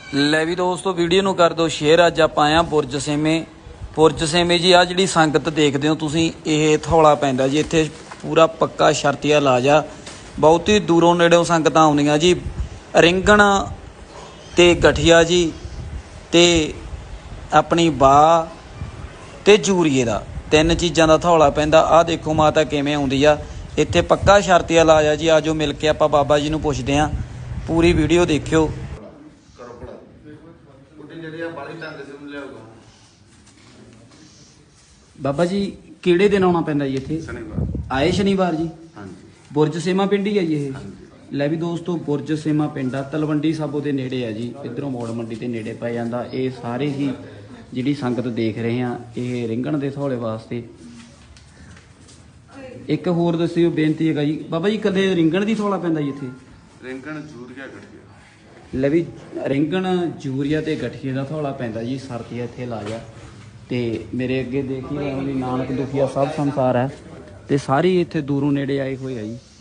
ਲੈ ਵੀ ਦੋਸਤੋ ਵੀਡੀਓ ਨੂੰ ਕਰ ਦਿਓ ਸ਼ੇਅਰ। ਅੱਜ ਆਪਾਂ ਆਏ ਆ ਬੁਰਜ ਸੇਮੇ ਜੀ। ਆ ਜਿਹੜੀ ਸੰਗਤ ਦੇਖਦੇ ਹੋ ਤੁਸੀਂ, ਇਹ ਥੌਲਾ ਪੈਂਦਾ ਜੀ। ਇੱਥੇ ਪੂਰਾ ਪੱਕਾ ਸ਼ਰਤੀਆ ਇਲਾਜ ਆ। ਬਹੁਤ ਹੀ ਦੂਰੋਂ ਨੇੜਿਓਂ ਸੰਗਤਾਂ ਆਉਂਦੀਆਂ ਜੀ। ਰਿੰਗਣ ਤੇ ਗਠੀਆ ਜੀ ਤੇ ਆਪਣੀ ਬਾਹ ਤੇ ਜੂਰੀਏ ਦਾ, ਤਿੰਨ ਚੀਜ਼ਾਂ ਦਾ ਥੌਲਾ ਪੈਂਦਾ। ਆਹ ਦੇਖੋ ਮਾਤਾ ਕਿਵੇਂ ਆਉਂਦੀ ਆ। ਇੱਥੇ ਪੱਕਾ ਸ਼ਰਤੀਆ ਇਲਾਜ ਆ ਜੀ। ਆਜੋ ਮਿਲ ਕੇ ਆਪਾਂ ਬਾਬਾ ਜੀ ਨੂੰ ਪੁੱਛਦੇ ਹਾਂ। ਪੂਰੀ ਵੀਡੀਓ ਦੇਖਿਓ। ਬਾਬਾ ਜੀ ਕਿਹੜੇ ਦਿਨ ਆਉਣਾ ਪੈਂਦਾ ਜੀ ਇੱਥੇ? शनिवार। ਆਏ ਸ਼ਨੀਵਾਰ ਜੀ। हाँ जी। ਬੁਰਜ ਸੇਮਾ ਪਿੰਡ ਹੀ ਹੈ ਜੀ ਇਹ। हाँ जी। ਲੈ ਵੀ ਦੋਸਤੋ ਬੁਰਜ ਸੇਮਾ ਪਿੰਡ ਆ, ਤਲਵੰਡੀ ਸਾਬੋ ਦੇ ਨੇੜੇ ਆ ਜੀ। ਇੱਧਰੋਂ ਮੋੜ ਮੰਡੀ ਦੇ ਨੇੜੇ ਪੈ ਜਾਂਦਾ। ਇਹ ਸਾਰੇ ਹੀ ਜਿਹੜੀ ਸੰਗਤ ਦੇਖ ਰਹੇ ਆ, ਇਹ ਰਿੰਗਣ ਦੇ ਥੌਲੇ ਵਾਸਤੇ। ਇੱਕ ਹੋਰ ਦੱਸਿਓ, ਬੇਨਤੀ ਹੈਗਾ ਜੀ ਬਾਬਾ ਜੀ, ਕਦੇ ਰਿੰਗਣ ਦੀ ਥੌਲਾ ਪੈਂਦਾ ਜੀ ਇੱਥੇ? रिंगण जूरिया गठिया। ਲੈ ਵੀ ਰਿੰਗਣ ਜੂਰੀਆ ਤੇ ਗਠੀਏ ਦਾ ਥੌਲਾ ਪੈਂਦਾ ਜੀ। ਸਰਦੀ ਇੱਥੇ ਇਲਾਜ ਆ। ਤੇ ਮੇਰੇ ਅੱਗੇ ਦੇਖੀ ਨਾਨਕ ਦੁਖੀਆ ਸਭ ਸੰਸਾਰ ਹੈ। ਤੇ ਸਾਰੇ ਇੱਥੇ ਦੂਰੋਂ ਨੇੜੇ ਆਏ ਹੋਏ ਆ ਜੀ।